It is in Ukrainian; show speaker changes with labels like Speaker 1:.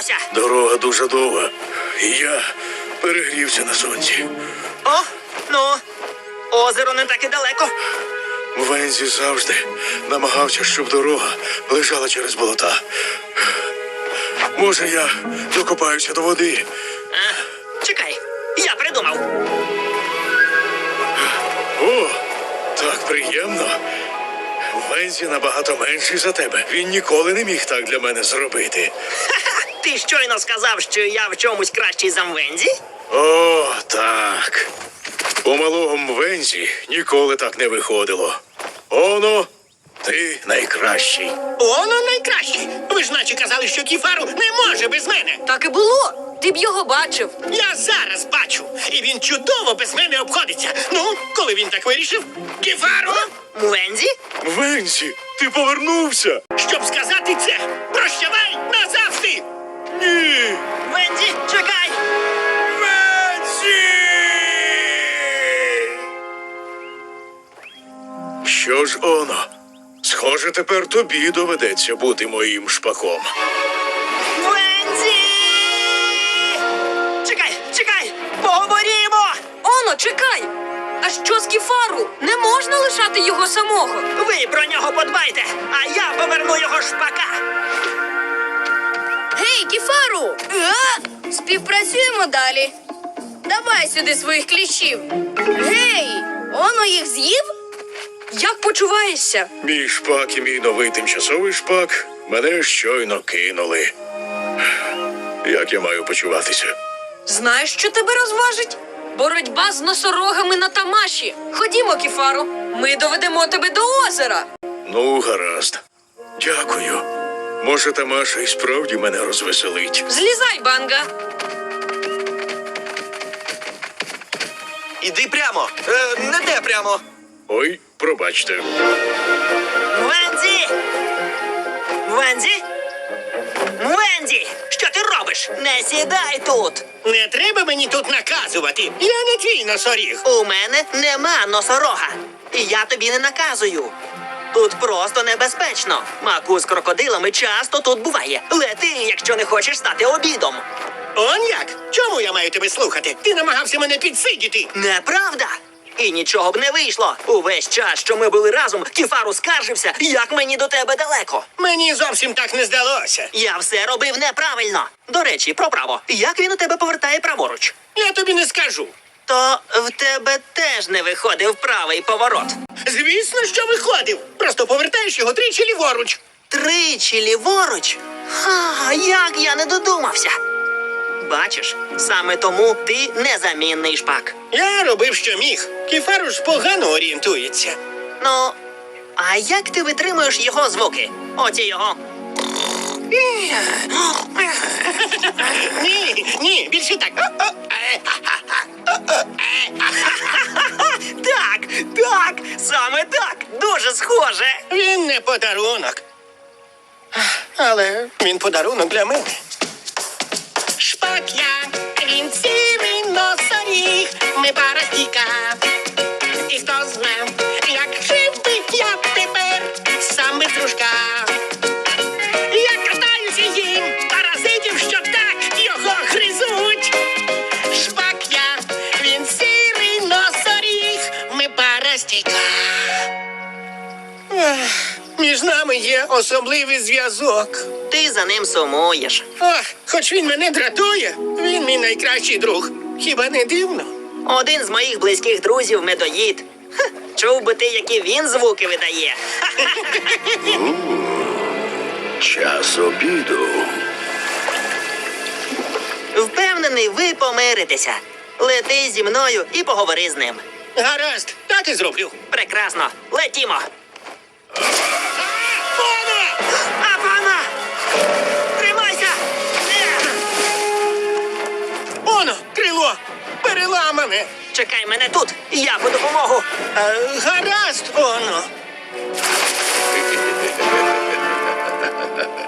Speaker 1: вдалося?
Speaker 2: Дорога дуже довга, і я перегрівся на сонці.
Speaker 1: О, ну, озеро не так і далеко.
Speaker 2: Вензі завжди намагався, щоб дорога лежала через болота. Може, я докопаюся до води.
Speaker 1: Чекай, я придумав.
Speaker 2: О, так приємно. Вензі набагато менший за тебе. Він ніколи не міг так для мене зробити.
Speaker 1: Ти щойно сказав, що я в чомусь кращий за Мвензі?
Speaker 2: О, так. У малого Вензі ніколи так не виходило. Оно, ти найкращий.
Speaker 3: Оно найкращий. Ви ж наче казали, що Кіфару не може без мене.
Speaker 4: Так і було. Ти б його бачив.
Speaker 3: Я зараз бачу. І він чудово без мене обходиться. Ну, коли він так вирішив? Кіфару!
Speaker 1: Мвензі?
Speaker 2: Вензі, ти повернувся?
Speaker 3: Щоб сказати це, прощавай назавжди!
Speaker 2: Ні.
Speaker 1: Мвензі, чекай!
Speaker 2: Вензі! Що ж, Оно, схоже, тепер тобі доведеться бути моїм шпаком.
Speaker 1: Мвензі! Чекай, поговоримо!
Speaker 4: Оно, чекай! А що з Кіфару? Не можна лишати його самого.
Speaker 1: Ви про нього подбайте, а я поверну його шпака.
Speaker 5: Гей, Кіфару! Співпрацюємо далі. Давай сюди своїх кліщів. Гей, Оно їх з'їв?
Speaker 4: Як почуваєшся?
Speaker 2: Мій шпак і мій новий тимчасовий шпак мене щойно кинули. Як я маю почуватися?
Speaker 4: Знаєш, що тебе розважить? Боротьба з носорогами на Тамаші. Ходімо, Кіфару. Ми доведемо тебе до озера.
Speaker 2: Ну, гаразд. Дякую. Може, Тамаша і справді мене розвеселить.
Speaker 4: Злізай, Банга.
Speaker 6: Іди прямо. Не де прямо.
Speaker 2: Ой, пробачте.
Speaker 1: Мвензі! Мвензі? Мвензі! Що ти робиш? Не сідай тут!
Speaker 3: Не треба мені тут наказувати. Я не твій носоріг.
Speaker 1: У мене нема носорога. І я тобі не наказую. Тут просто небезпечно. Маку з крокодилами часто тут буває. Лети, якщо не хочеш стати обідом.
Speaker 3: Он як? Чому я маю тебе слухати? Ти намагався мене підсидіти.
Speaker 1: Неправда. І нічого б не вийшло. Увесь час, що ми були разом, Кіфару скаржився, як мені до тебе далеко.
Speaker 3: Мені зовсім так не здалося.
Speaker 1: Я все робив неправильно. До речі, про право. Як він у тебе повертає праворуч?
Speaker 3: Я тобі не скажу.
Speaker 1: То в тебе теж не виходив правий поворот.
Speaker 3: Звісно, що виходив. Просто повертаєш його тричі ліворуч.
Speaker 1: Тричі ліворуч? Ха, як я не додумався. Бачиш, саме тому ти незамінний шпак.
Speaker 3: Я робив, що міг. Кіфару ж погано орієнтується.
Speaker 1: Ну, а як ти витримуєш його звуки? Оці його.
Speaker 3: Ні, більше так.
Speaker 1: Так, саме так. Дуже схоже.
Speaker 3: Він не подарунок. Але він подарунок для мене. Шпак я, він сірий носоріг, ми пара стійка. І хто зна, як жив би я тепер сам без дружка. Я катаюся їм, паразитів, що так його гризуть. Шпак я, він сірий носоріг, ми пара стійка. Між нами є особливий зв'язок.
Speaker 1: Ти за ним сумуєш.
Speaker 3: Ох, хоч він мене дратує, він мій найкращий друг. Хіба не дивно?
Speaker 1: Один з моїх близьких друзів медоїд. Ха, чув би ти, які він звуки видає.
Speaker 2: Час обіду.
Speaker 1: Впевнений, ви помиритеся. Лети зі мною і поговори з ним.
Speaker 3: Гаразд, так і зроблю.
Speaker 1: Прекрасно. Летімо.
Speaker 3: Оно!
Speaker 1: Апана! Тримайся!
Speaker 3: Оно, крило! Переламане!
Speaker 1: Чекай мене тут, я по допомогу.
Speaker 3: Гаразд, Оно!